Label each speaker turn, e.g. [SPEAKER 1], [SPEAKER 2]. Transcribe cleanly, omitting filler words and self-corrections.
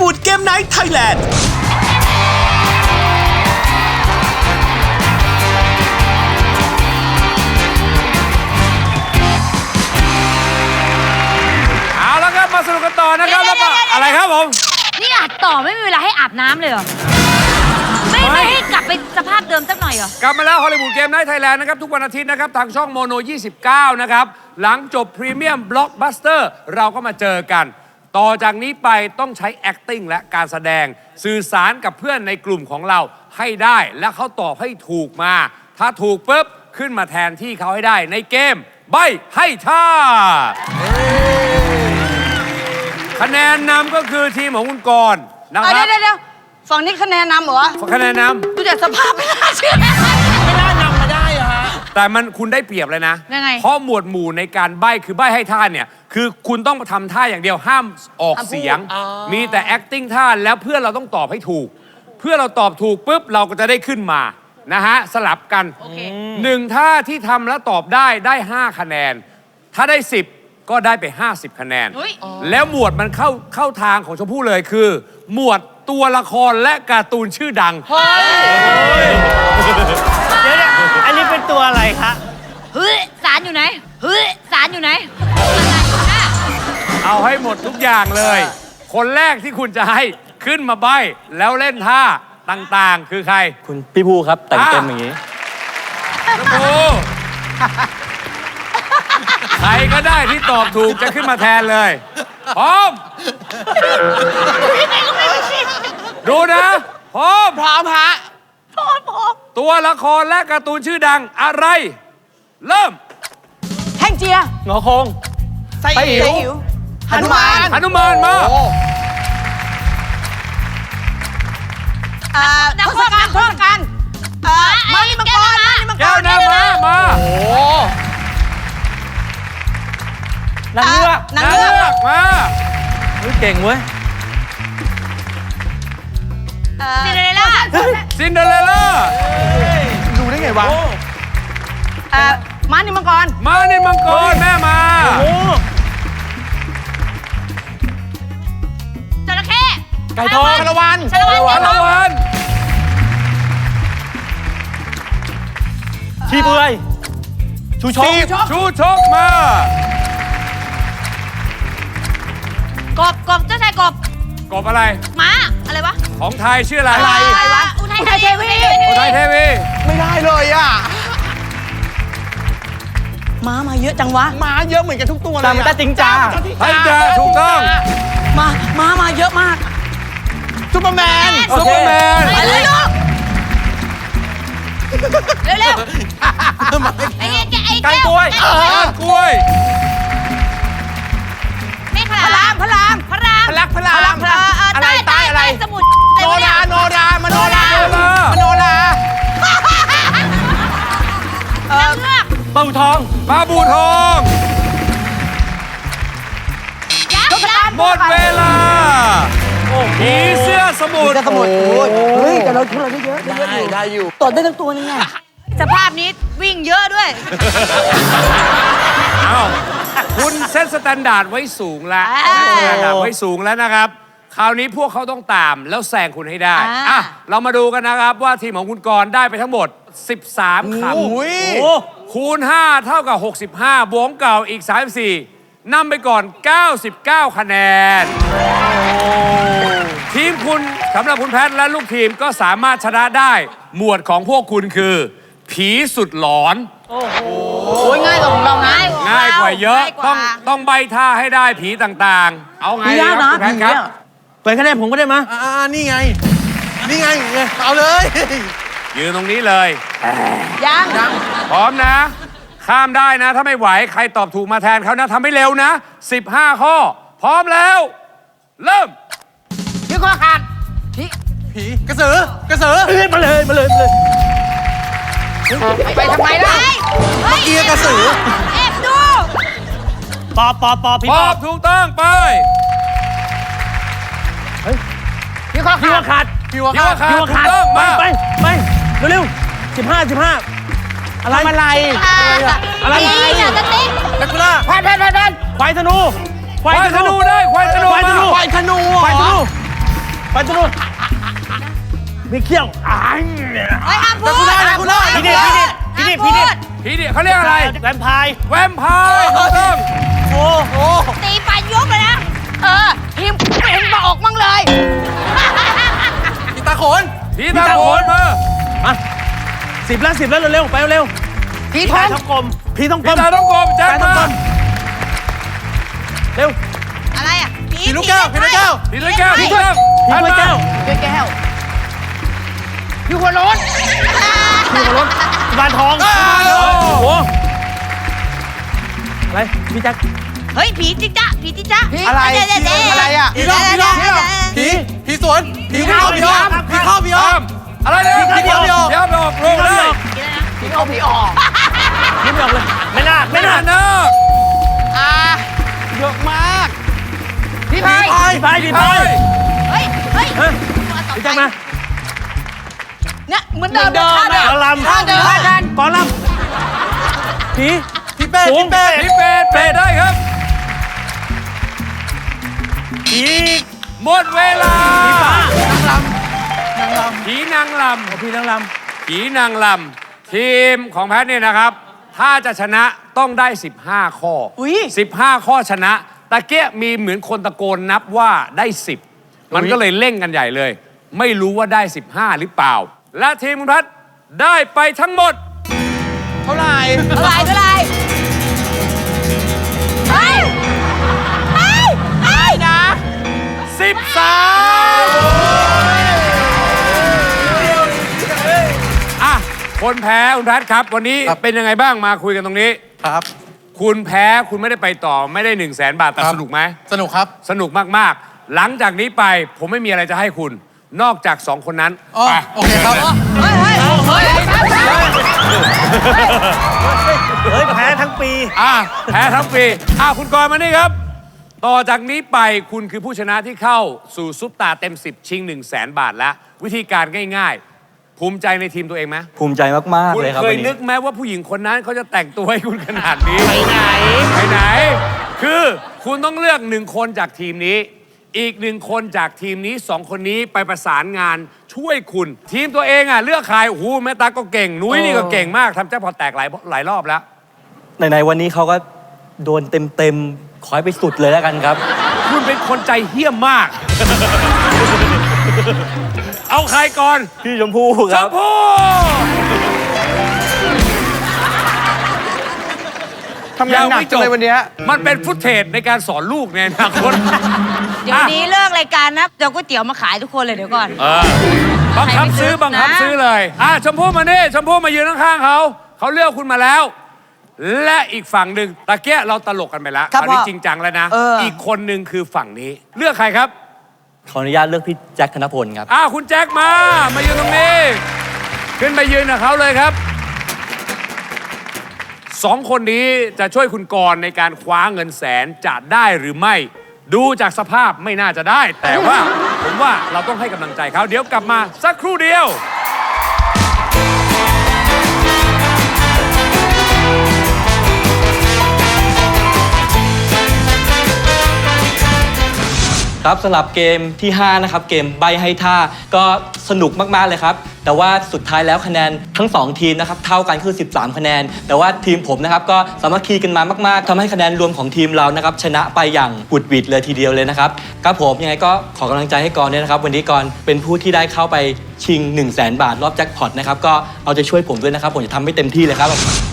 [SPEAKER 1] วูดเกมไนท์ไทยแลนด์
[SPEAKER 2] เอาแล้วครับมาสนุกกันต่อนะครับแล้วก็อะไรครับผม
[SPEAKER 3] นี่อัดต่อไม่มีเวลาให้อาบน้ำเลยเหรอไม่ให้กลับไปสภาพเดิมสักหน่อยเหรอก
[SPEAKER 2] ลับมาแล้วฮอลลีวูดเกมไนท์ไทยแลนด์นะครับทุกวันอาทิตย์นะครับทางช่องโมโน 29 นะครับหลังจบพรีเมียมบล็อกบัสเตอร์เราก็มาเจอกันต่อจากนี้ไปต้องใช้ acting และการแสดงสื่อสารกับเพื่อนในกลุ่มของเราให้ได้และเขาตอบให้ถูกมาถ้าถูกปุ๊บขึ้นมาแทนที่เขาให้ได้ในเกมใบ้ให้ท่าคะแนนนำก็คือทีมของคุณกรณ์นะครับ
[SPEAKER 4] เดี๋ยวฝั่งนี้คะแนนนำเหรอ
[SPEAKER 2] คะแนนนำ
[SPEAKER 4] ดูจากสภาพไม่น่าเชื่อ
[SPEAKER 5] ไม่น่านำมาได้เหรอฮะ
[SPEAKER 2] แต่มันคุณได้เปรียบเลยนะเพราะหมวดหมู่ในการใบ้คือใบ้ให้ท่าเนี่ยคือคุณต้องทำท่าอย่างเดียวห้ามออกเสียงมีแต่ acting ท่าแล้วเพื่อนเราต้องตอบให้ถูกเพื่อเราตอบถูกปุ๊บเราก็จะได้ขึ้นมานะฮะสลับกันหนึ่งท่าที่ทำแล้วตอบได้5คะแนนถ้าได้10ก็ได้ไป50คะแนนแล้วหมวดมันเข้าทางของชมพู่เลยคือหมวดตัวละครและการ์ตูนชื่อดัง
[SPEAKER 5] เดี๋ยวอันนี้เป็นตัวอะไรคะ
[SPEAKER 3] เฮ้ยสารอยู่ไหนเฮ้ยสารอยู่ไหน
[SPEAKER 2] เอาให้หมดทุกอย่างเลยคนแรกที่คุณจะให้ขึ้นมาใบ้แล้วเล่นท่าต่างๆคือใคร
[SPEAKER 5] คุณพี่ภูครับแต่งเต็มอย่างนี้
[SPEAKER 2] ภูใครก็ได้ที่ตอบถูกจะขึ้นมาแทนเลยพร้อมดูนะพร้อม
[SPEAKER 4] ฮะพร้อม
[SPEAKER 2] ตัวละครและการ์ตูนชื่อดังอะไรเริ่ม
[SPEAKER 4] แท่งเจีย
[SPEAKER 5] งอคง
[SPEAKER 4] ไส้หิวหนุมาน
[SPEAKER 2] มา
[SPEAKER 4] ทศกัณฐ์มาริมังกร
[SPEAKER 2] แก้วน้ำมา
[SPEAKER 5] โอ้นางเงือก
[SPEAKER 2] มา
[SPEAKER 5] เก่งเว้ย
[SPEAKER 2] ซินเดอเรลล่า
[SPEAKER 5] ดูได้ไงวะ
[SPEAKER 4] มาริมังกร
[SPEAKER 2] แม่มา
[SPEAKER 3] จระเข้
[SPEAKER 5] ไก่ทองชาละวันชีเปลือยชูชก
[SPEAKER 2] ม
[SPEAKER 3] ากบเจ้าชายกบ
[SPEAKER 2] อะไร
[SPEAKER 3] ม้าอะไรวะ
[SPEAKER 2] ของไทยชื่ออะไร
[SPEAKER 3] วะอุทัยเทวี
[SPEAKER 5] ไม่ได้เลยอ่ะ
[SPEAKER 4] ม้ามาเยอะจังวะ
[SPEAKER 5] ม้าเยอะเหมือนกันทุกตัวเลยแต่จริงจ้า
[SPEAKER 2] ถูกต้อง
[SPEAKER 4] ม้ามาเยอะมาก
[SPEAKER 5] ซุปเปอร์แมน
[SPEAKER 3] ไปเลยลูกเร็วไอ้
[SPEAKER 5] ไก่กล้วย
[SPEAKER 3] ไม่พระราม
[SPEAKER 5] อะไรใต้อะไร
[SPEAKER 3] สมุทร
[SPEAKER 5] โนรา
[SPEAKER 3] เงือก
[SPEAKER 5] ปลาบูทอง
[SPEAKER 2] หมดเวลาผีเสื้อสมุทร
[SPEAKER 4] เฮ้ยแต่เราได้เยอะ
[SPEAKER 5] ได้อยู่
[SPEAKER 4] ตดได้ทั้งตัวนี่ไง
[SPEAKER 3] สภาพนี้วิ่งเยอะด้วย
[SPEAKER 2] คุณเซตสแตนดาร์ดไว้สูงแล้วนะครับคราวนี้พวกเขาต้องตามแล้วแซงคุณให้ได้เรามาดูกันนะครับว่าทีมของคุณกรณ์ได้ไปทั้งหมด13คำคูณ5เท่ากับ65บวกเก่าอีก34นำไปก่อน99คะแนนทีมคุณสำหรับคุณแพทและลูกทีมก็สามารถชนะได้หมวดของพวกคุณคือผีสุดหลอน
[SPEAKER 4] ง่ายกว่าของเรานะ
[SPEAKER 2] ง่ายกว่าเยอะต้องใบท่าให้ได้ผีต่างๆเอาไงครับคุณแพทครับ
[SPEAKER 5] เปิดคะแนนผมก็ได้มั้ยนี่ไงเอาเลย
[SPEAKER 2] ยืนตรงนี้เลย
[SPEAKER 4] ยัง
[SPEAKER 2] พร้อมนะข้ามได้นะถ้าไม่ไหวใครตอบถูกมาแทนเขานะทำให้เร็วนะ15ข้อพร้อมแล้วเริ่ม
[SPEAKER 4] พี่ข้อขาด
[SPEAKER 5] ผีกระสือมาเลย
[SPEAKER 4] ไปทำไมล่ะ
[SPEAKER 5] เมื่อกี้กระสือ
[SPEAKER 3] ดู
[SPEAKER 5] ปอบ
[SPEAKER 2] พี่ปอบถูกต้องไป
[SPEAKER 5] พี่ข้อขาด
[SPEAKER 2] ถูกต้องมา
[SPEAKER 5] ไปเร็ว15อะไร
[SPEAKER 3] อย่าจะติ๊ก
[SPEAKER 5] นักล่าควายธนู
[SPEAKER 2] ได้ควายธนู
[SPEAKER 5] ไปตรงนู้นมีเขี้ยวอ้าย
[SPEAKER 4] เฮ้ยห้ามพูด
[SPEAKER 5] คุณได้พี่ดิพี่ดิ
[SPEAKER 2] ผีดิเขาเรียกอะไร
[SPEAKER 5] แวมไพร์
[SPEAKER 2] แวมไพร์ถูกต้อง
[SPEAKER 5] โอ้โห
[SPEAKER 3] ตีปลายกเลยนะ
[SPEAKER 4] ทีมไม่เห็นบอกมั่งเลย
[SPEAKER 5] พี่ตาโขน
[SPEAKER 2] ผีตาโขนมา
[SPEAKER 5] มา10 แล้วเร็วๆไปเร็ว
[SPEAKER 4] พี่ท
[SPEAKER 5] ตา
[SPEAKER 4] อง
[SPEAKER 5] ท้องกลมพี่ต้องก
[SPEAKER 2] ผี
[SPEAKER 5] ลม
[SPEAKER 2] ตาต้องกลมแจ็ค
[SPEAKER 5] ตาท้อง
[SPEAKER 2] มาก
[SPEAKER 5] ลมเร็ว
[SPEAKER 4] อะไรอ่ะ
[SPEAKER 5] พี่ลูกแก้วพี่ลูกแก้ว
[SPEAKER 2] ผีเลยแก้วถูกต้อง
[SPEAKER 5] พี่ลูกแก้ว
[SPEAKER 4] พี่แก้วพี่หัวโล้น
[SPEAKER 5] พี่หัวรถบานทองโอ้โหอะไรพี่แจ็ค
[SPEAKER 3] เฮ้ยผีจิ๊กจ๊ะผีจิ๊กจ๊ะ
[SPEAKER 4] อะไร อะไรอ่ะ
[SPEAKER 5] ผีสวนผีเข้าพี่อ้อมผีเข้าพี่อ้อ
[SPEAKER 2] อ้าม มอะไรเนี่ย
[SPEAKER 5] ผีเข้าพี่ออก
[SPEAKER 2] เดี๋ยวไปออกโรงได้
[SPEAKER 4] พี่เอาพี่ออก
[SPEAKER 5] ยิ้มออกเลยไม่น่า
[SPEAKER 2] ไม่น่าเนอะ
[SPEAKER 4] เยอะมาก พี่พาย
[SPEAKER 5] พี่พาย
[SPEAKER 3] เฮ้ย เฮ้ย
[SPEAKER 5] พี่แจ็คมา
[SPEAKER 4] เนี่ยเหมือนเดิมท่าเดิ
[SPEAKER 5] กอ
[SPEAKER 4] ม
[SPEAKER 5] ลำ
[SPEAKER 4] ท่าเดิม
[SPEAKER 5] กอลำพี่เป้
[SPEAKER 2] ผีเป็ดได้ครับ
[SPEAKER 5] ผี
[SPEAKER 2] หมดเวลา ผีนางล
[SPEAKER 5] พี่นางล
[SPEAKER 2] ำผีนางลำทีมของแพทย์เนี่ยนะครับ ถ้าจะชนะต้องได้ 15 ข้อ
[SPEAKER 4] อุ้ย
[SPEAKER 2] 15 ข้อชนะตะเกียมีเหมือนคนตะโกนนับว่าได้ 10 มันก็เลยเร่งกันใหญ่เลย ไม่รู้ว่าได้ 15 หรือเปล่า และทีมคุณพัฒน์ได้ไปทั้งหมด
[SPEAKER 5] เท่าไหร่
[SPEAKER 3] เท่าไหร่เท่าไหร่เฮ้ยเฮ้ยเฮ้ยนะ
[SPEAKER 2] อ่ะ คนแพ้คุณแพทย์ครับ วันนี้เป็นยังไงบ้างมาคุยกันตรงนี้
[SPEAKER 5] ครับ
[SPEAKER 2] คุณแพ้คุณไม่ได้ไปต่อไม่ได้ 1 0 0 0 0 0 บาทแต่สนุกไหม
[SPEAKER 5] สนุกครับ
[SPEAKER 2] สนุกมาก ๆ หลังจากนี้ไปผมไม่มีอะไรจะให้คุณ นอกจาก 2 คนนั้น
[SPEAKER 5] อ๋อ
[SPEAKER 2] ไป
[SPEAKER 5] โอเคครับ
[SPEAKER 4] เฮ้ยเฮ้ยเฮ้ย
[SPEAKER 5] เฮ้ยแพ้ทั้งปี
[SPEAKER 2] แพ้ทั้งปีคุณกรณ์มานี่ครับ ต่อจากนี้ไปคุณคือผู้ชนะที่เข้าสู่ซุปตาเต็ม 10 ชิง 1 0 0 0 0 0 บาทแล้ว วิธีการง่าย ๆ ภูมิใจในทีมตัวเองไหม
[SPEAKER 1] ภูมิใจมาก ๆ
[SPEAKER 2] คุณ
[SPEAKER 1] เลยครับ
[SPEAKER 2] เค
[SPEAKER 1] วั
[SPEAKER 2] ย
[SPEAKER 1] น
[SPEAKER 2] นึ
[SPEAKER 1] นี้
[SPEAKER 2] กไหมว่าผู้หญิงคนนั้นเขาจะแต่งตัวให้คุณขนาดนี้
[SPEAKER 5] ไปไหน
[SPEAKER 2] ไปไหน คือคุณต้องเลือก1 คนจากทีมนี้ อีก1 คนจากทีมนี้ 2 คนนี้ไปประสานงานช่วยคุณ ทีมตัวเองเลือกใครโอ้โหแม่ตาก็เก่งนุ้ยนี่ก็เก่งมากทำแจ็คพอตแตกหลายรอบแล้ว
[SPEAKER 1] ในวันนี้เขาก็โดนเต็ม ๆ ขอให้ไปสุดเลยแล้วกันครับ
[SPEAKER 2] คุณเป็นคนใจเหี้ยมมาก เอาใครก่อน
[SPEAKER 1] พี่ชมพู่
[SPEAKER 2] ช
[SPEAKER 1] ครับ
[SPEAKER 2] มพู่
[SPEAKER 5] ทำงานหนักจังเลยวันเนี้ย
[SPEAKER 2] มันเป็นฟุตเทจในการสอนลูกในอนาคต
[SPEAKER 3] เดี๋ยวนี้เลิกรายการนะเดี๋ยวก๋วยเตี๋ยวมาขายทุกคนเลยเดี๋ยวก่อน
[SPEAKER 2] บังคับซื้อบังคับซื้อเลยชมพู่มานี่ชมพู่มายืนข้างๆเขาเลือกคุณมาแล้ว และอีกฝั่งหนึ่งตะเกียเราตลกกันไปแล้ว
[SPEAKER 4] ครับ
[SPEAKER 2] คราวนี้
[SPEAKER 4] พ่อ
[SPEAKER 2] จริงจังแล้วนะ
[SPEAKER 4] อี
[SPEAKER 2] กคนหนึ่งคือฝั่งนี้ เลือกใครครับ
[SPEAKER 1] ขออนุญาตเลือกพี่แจ็คธนพลครับ
[SPEAKER 2] คุณแจ็คมายืนตรงนี้ ขึ้นไปยืนกับเขาเลยครับ 2 คนนี้จะช่วยคุณกรณ์ในการคว้าเงินแสนจะได้หรือไม่ ดูจากสภาพไม่น่าจะได้ แต่ว่าผมว่าเราต้องให้กำลังใจเขาเดี๋ยวกลับมาสักครู่เดียว
[SPEAKER 1] ครับสำหรับเกมที่ 5 นะครับ เกมใบให้ท่าก็สนุกมาก ๆ เลยครับ แต่ว่าสุดท้ายแล้วคะแนนทั้ง 2 ทีมนะครับ เท่ากันคือ 13 คะแนน แต่ว่าทีมผมนะครับก็สามัคคีกันมามาก ๆทำให้คะแนนรวมของทีมเรานะครับชนะไปอย่างบุดหวิดเลยทีเดียวเลยนะครับครับผมยังไงก็ขอกำลังใจให้กรณ์ด้วยนะครับ วันนี้กรณ์เป็นผู้ที่ได้เข้าไปชิง 1 0 0 0 0 0 บาทรอบแจ็คพอตนะครับก็เอาใจช่วยผมด้วยนะครับผมจะทำให้เต็มที่เลยครับ